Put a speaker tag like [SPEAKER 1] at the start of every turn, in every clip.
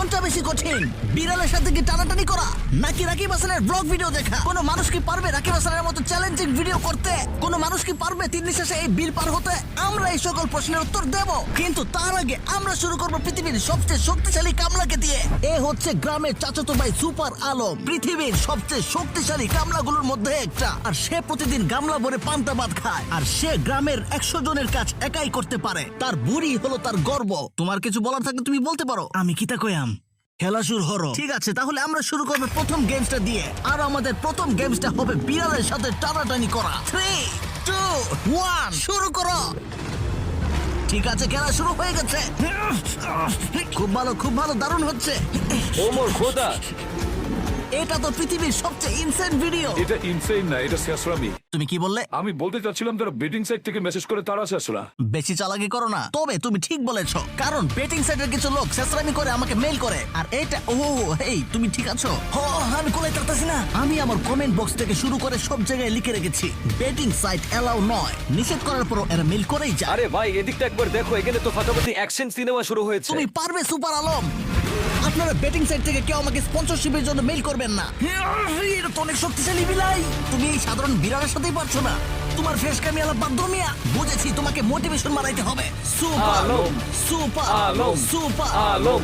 [SPEAKER 1] কোনটা বেশি কঠিন, বিড়ালের সাথে কি টানাটানি করা নাকি রাকিব হাসানের ব্লগ ভিডিও দেখা? কোনো মানুষ কি পারবে রাকিব হাসানের মতো চ্যালেঞ্জিং ভিডিও করতে? কোনো মানুষ কি পারবে 3 নিঃশ্বাসে এই বিল পার হতে? আমরা এই সকল প্রশ্নের উত্তর দেব, কিন্তু তার আগে আমরা শুরু করব পৃথিবীর সবচেয়ে শক্তিশালী কামলাকে দিয়ে। এ হচ্ছে গ্রামের চাচাতো ভাই সুপার আলম, পৃথিবীর সবচেয়ে শক্তিশালী কামলাগুলোর মধ্যে একটা। আর সে প্রতিদিন গামলা ভরে পান্তা ভাত খায়, আর সে গ্রামের 100 জনের কাজ একাই করতে পারে। তার বুড়ি হলো তার গর্ব। তোমার কিছু বলার থাকলে তুমি বলতে পারো। আমি কি তা কইয়াম, খেলা শুরু হলো। ঠিক আছে, তাহলে আমরা শুরু করবো প্রথম গেমসটা দিয়ে। আর আমাদের প্রথম গেমসটা হবে বিড়ালের সাথে টানাটানি করা। 3, 2, 1 শুরু করো। ঠিক আছে, খেলা শুরু হয়ে গেছে। খুব ভালো, খুব ভালো, দারুণ হচ্ছে।
[SPEAKER 2] ওমর খোদা,
[SPEAKER 1] এটা তো পৃথিবীর সবচেয়ে ইনসেন ভিডিও।
[SPEAKER 2] এটা ইনসেইন না, এটা শেষরামি।
[SPEAKER 1] তুমি কি বললে?
[SPEAKER 2] আমি বলতে চাচ্ছিলাম তারা বেটিং সাইট থেকে মেসেজ করে তারা শেষরা।
[SPEAKER 1] বেশি চালাকি করো না। তবে তুমি ঠিক বলেছো, কারণ বেটিং সাইটের কিছু লোক শেষরামি করে আমাকে মেইল করে। আর এটা এই তুমি ঠিক আছো? আমি কোলে তাড়তাছি না। আমি আমার কমেন্ট বক্স থেকে শুরু করে সব জায়গায় লিখে রেখেছি বেটিং সাইট এলাও নয়। নিষেধ করার পরও এরা মেইল করেই যায়।
[SPEAKER 3] আরে ভাই, এদিকটা একবার দেখো, এখানে তো ফাটাফাটি অ্যাকশন সিনেমা শুরু হয়েছে।
[SPEAKER 1] তুমি পারবে সুপার আলম। আপনারা বেটিং সাইট থেকে কেউ আমাকে স্পন্সরশিপের জন্য মেইল করবেন না। এটা তো অনেক শক্তিশালী বিলাই। তুমি এই সাধারণ বিড়ালের সাথেই পারছো না। তোমার ফেস কামি আলা বাধ্য মিয়া। বুঝেছি, তোমাকে মোটিভেশন মারাইতে হবে। Super
[SPEAKER 3] Alam,
[SPEAKER 1] super
[SPEAKER 3] Alam,
[SPEAKER 1] super
[SPEAKER 3] Alam.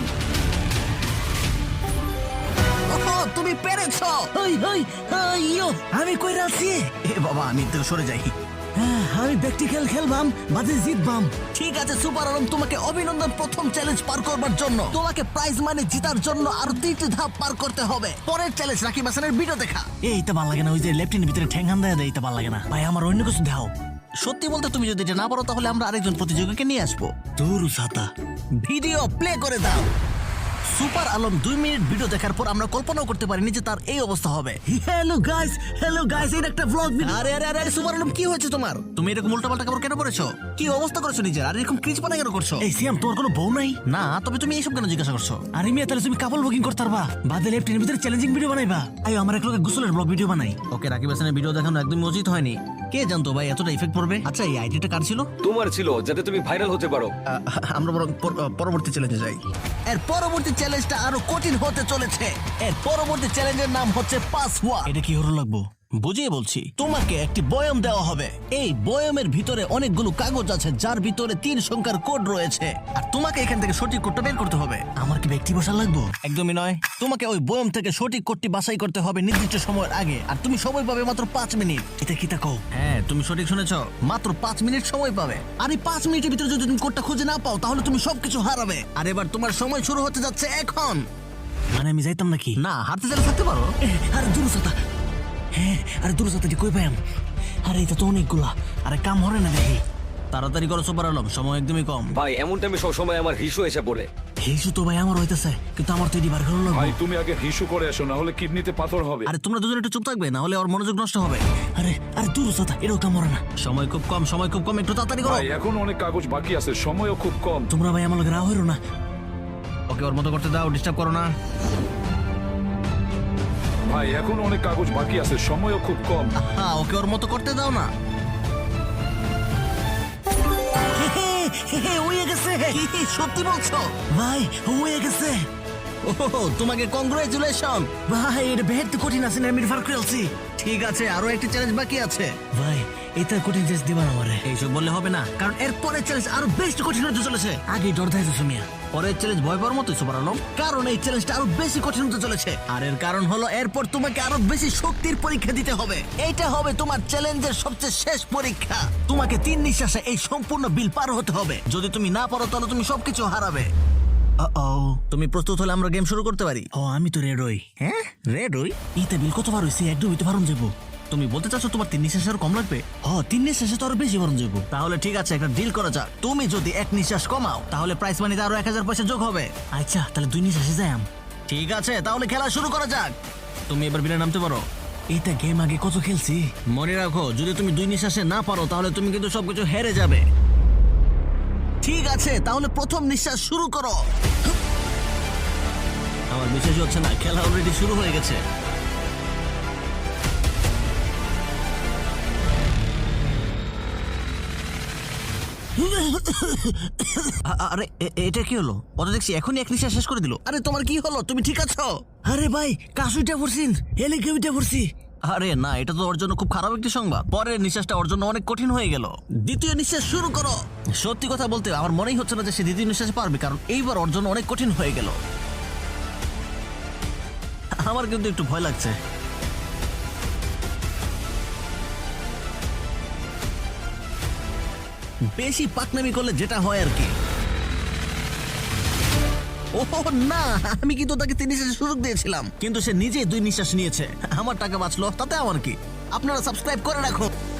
[SPEAKER 1] তুমি পেরেছো। আমি কইরা আছি। এ বাবা, আমি তো সরে যাই। আমি প্র্যাকটিক্যাল খেলবাম, বাজে জিতবাম। ঠিক আছে সুপার আলম, তোমাকে অভিনন্দন প্রথম চ্যালেঞ্জ পার করবার জন্য। তোমাকে প্রাইজ মানি জিতার জন্য আরো 3টি ধাপ পার করতে হবে। পরের চ্যালেঞ্জ রাকিব হাসানের ভিডিও দেখা। এইটা ভালো লাগে না, ওই যে লেফটেনের ভিতরে ঠ্যাং দেয়, এইটা ভালো লাগে না ভাই। আমার অন্য কিছু দাও। সত্যি বলতে তুমি যদি এটা না পারো তাহলে আমরা আরেকজন প্রতিযোগীকে নিয়ে আসবো। দূর ছাতা, ভিডিও প্লে করে দাও। সুপার আলম 2 মিনিট ভিডিও দেখার পর আমরা কল্পনাও করতে পারিনি যে তার এই অবস্থা হবে। হ্যালো গাইস, এটা একটা ভ্লগ ভিডিও। আরে সুপার আলম, কি হয়েছে তোমার? তুমি এরকম উল্টাপাল্টা কাপড় কেন পরেছো? কি অবস্থা করেছো নিজের? আর এরকম ক্রিজপানা কেন করছো? এই সিয়াম, তোমার কোনো বউ নাই? না, তবে তুমি এইসব কেন জিজ্ঞাসা করছো? আরে মিয়া, তাহলে তুমি কাপল বুকিং করতে পারবা? বাদে লেফটেনের ভিতরে চ্যালেঞ্জিং ভিডিও বানাইবা। আই আমার এক লোকে গোসলের ব্লগ ভিডিও বানাই। ওকে, রাকিব হাসানের ভিডিও দেখানো একদমই উচিত হয়নি। কে জানতো ভাই এতটা ইফেক্ট পড়বে? আচ্ছা, এই আইডিটা কার ছিল?
[SPEAKER 3] তোমার ছিল, যাতে তুমি ভাইরাল হতে পারো।
[SPEAKER 1] আমরা বরং পরবর্তী চ্যালেঞ্জে যাই। এর পরবর্তী চ্যালেঞ্জটা আরো কঠিন হতে চলেছে। এর পরবর্তী চ্যালেঞ্জের নাম হচ্ছে পাসওয়ার্ড। এটা কি হলো লাগবো বুঝিয়ে বলছি। তোমাকে একটি বয়ম দেওয়া হবে। এই বয়মের ভিতরে অনেকগুলো কাগজ আছে, যার ভিতরে 3 সংখ্যার কোড রয়েছে। আর তোমাকে এখান থেকে সঠিক কোডটা বের করতে হবে। আমার কি ব্যক্তি বসা লাগবো? একদমই নয়। তোমাকে ওই বয়ম থেকে সঠিক কোডটি বাছাই করতে হবে নির্দিষ্ট সময়ের আগে। আর তুমি সময় পাবে মাত্র 5 মিনিট। এটা কি তা কও? হ্যাঁ, তুমি সঠিক শুনেছ, মাত্র 5 মিনিট সময় পাবে। আর এই 5 মিনিটের ভিতরে যদি তুমি কোডটা খুঁজে না পাও তাহলে তুমি সবকিছু হারাবে। আর এবার তোমার সময় শুরু হতে যাচ্ছে এখন। মানে আমি যাইতাম নাকি? না, হারতে চাইলে থাকতে পারো। আরে দূরতা, হ্যাঁ, আরে দূরতা কই পাইম? আরে এটা তো অনেকগুলা। আরে কাম হরে না দেখি। তাড়াতাড়ি করো সুপার আলম, সময় একদমই কম।
[SPEAKER 3] ভাই, এমন টাইমে সবসময় আমার হিসু এসে পড়ে।
[SPEAKER 1] হিসু তো ভাই আমার হইতেছে, কিন্তু আমার তো এটি বার করার
[SPEAKER 2] ভাই
[SPEAKER 1] লাগবে।
[SPEAKER 2] তুমি আগে হিসু করে এসো, না হলে কিডনিতে পাথর হবে।
[SPEAKER 1] আরে তোমরা দুজন একটু চুপ থাকবে, না হলে ওর মনোযোগ নষ্ট হবে। আরে আরে দূরতা, এটাও কাম হরে না। সময় খুব কম, একটু তাড়াতাড়ি করো।
[SPEAKER 2] ভাই এখন অনেক কাগজ বাকি আছে, সময়ও খুব কম।
[SPEAKER 1] তোমরা ভাই আমার লগে রাও হইরো না। ওকে, ওর মতো করতে দাও, ডিস্টার্ব করো না।
[SPEAKER 2] ভাই এখন অনেক কাগজ বাকি আছে, সময়ও খুব কম।
[SPEAKER 1] হ্যাঁ, ওকে ওর মতো করতে দাও না। হয়ে গেছে। সত্যি বলছো ভাই? হয়ে গেছে। ওহো, তোমাকে কংগ্রাচুলেশন ভাই। এটা বেহেদ কঠিন আছে না, আমি ফার করেছি। ঠিক আছে, আরো একটি চ্যালেঞ্জ বাকি আছে ভাই। এটা কঠিন চ্যালেঞ্জ দিবা আমারে? এইসব বললে হবে না, কারণ এর পরের চ্যালেঞ্জ আরো বেশি কঠিন হতে চলেছে। আগে ডর দেখাইছো মিয়া, পরের চ্যালেঞ্জ ভয় পাওয়ার মতোই সুপার আলম, কারণ এই চ্যালেঞ্জটা আরো বেশি কঠিন হতে চলেছে। আর এর কারণ হলো এরপর তোমাকে আরো বেশি শক্তির পরীক্ষা দিতে হবে। এইটা হবে তোমার চ্যালেঞ্জের সবচেয়ে শেষ পরীক্ষা। তোমাকে 3 নিঃশ্বাসে এই সম্পূর্ণ বিল পার হতে হবে। যদি তুমি না পারো তাহলে তুমি সবকিছু হারাবে। তুমি প্রস্তুত হলে আমরা গেম শুরু করতে পারি। আমি তো রেড হই। হ্যাঁ, রেড হই। ইতে বিল কতবার হইছে? একদম হইতে পারুন যাবো। তুমি বলতে চাচ্ছ তোমার 3 নিঃশ্বাস আরো কম লাগবে? 3 নিঃশ্বাসে তো আরো বেশি বারণ যাবো। তাহলে ঠিক আছে, একটা ডিল করা যাক। তুমি যদি 1 নিঃশ্বাস কমাও তাহলে প্রাইস মানিতে আরো 1000 পয়সা যোগ হবে। আচ্ছা, তাহলে 2 নিঃশ্বাসে যাই। ঠিক আছে, তাহলে খেলা শুরু করা যাক। তুমি এবার বিলে নামতে পারো। এটা গেম আগে কত খেলছি মনে রাখো। যদি তুমি 2 নিঃশ্বাসে না পারো তাহলে তুমি কিন্তু সবকিছু হেরে যাবে। ঠিক আছে, তাহলে প্রথম নিঃশ্বাস শুরু করো। আমার বিশ্বাস হচ্ছে না, খেলা অলরেডি শুরু হয়ে গেছে। আরে এটা কি হলো? ও তো দেখছি এখনই এক নিঃশ্বাস শেষ করে দিল। আরে তোমার কি হলো? তুমি ঠিক আছো? আরে ভাই কাশুইটা পড়ছিন, হেলিকপ্টারটা পড়ছি। আরে না, এটা তো ওর জন্য খুব খারাপ একটি সংবাদ। পরের নিঃশ্বাসটা ওর জন্য অনেক কঠিন হয়ে গেল। দ্বিতীয় নিঃশ্বাস শুরু করো। সত্যি কথা বলতে আমার মনেই হচ্ছে না যে সে দ্বিতীয় নিঃশ্বাসে পারবে, কারণ এইবার ওর জন্য অনেক কঠিন হয়ে গেল। আমার কিন্তু একটু ভয় লাগছে। বেশি পাকনামি করলে যেটা হয় আর কি। ওহ না, আমি কিন্তু তাকে 3 নিঃশ্বাসের সুযোগ দিয়েছিলাম, কিন্তু সে নিজেই 2 নিঃশ্বাস নিয়েছে। আমার টাকা বাঁচলো, তাতে আমার কি? আপনারা সাবস্ক্রাইব করে রাখুন।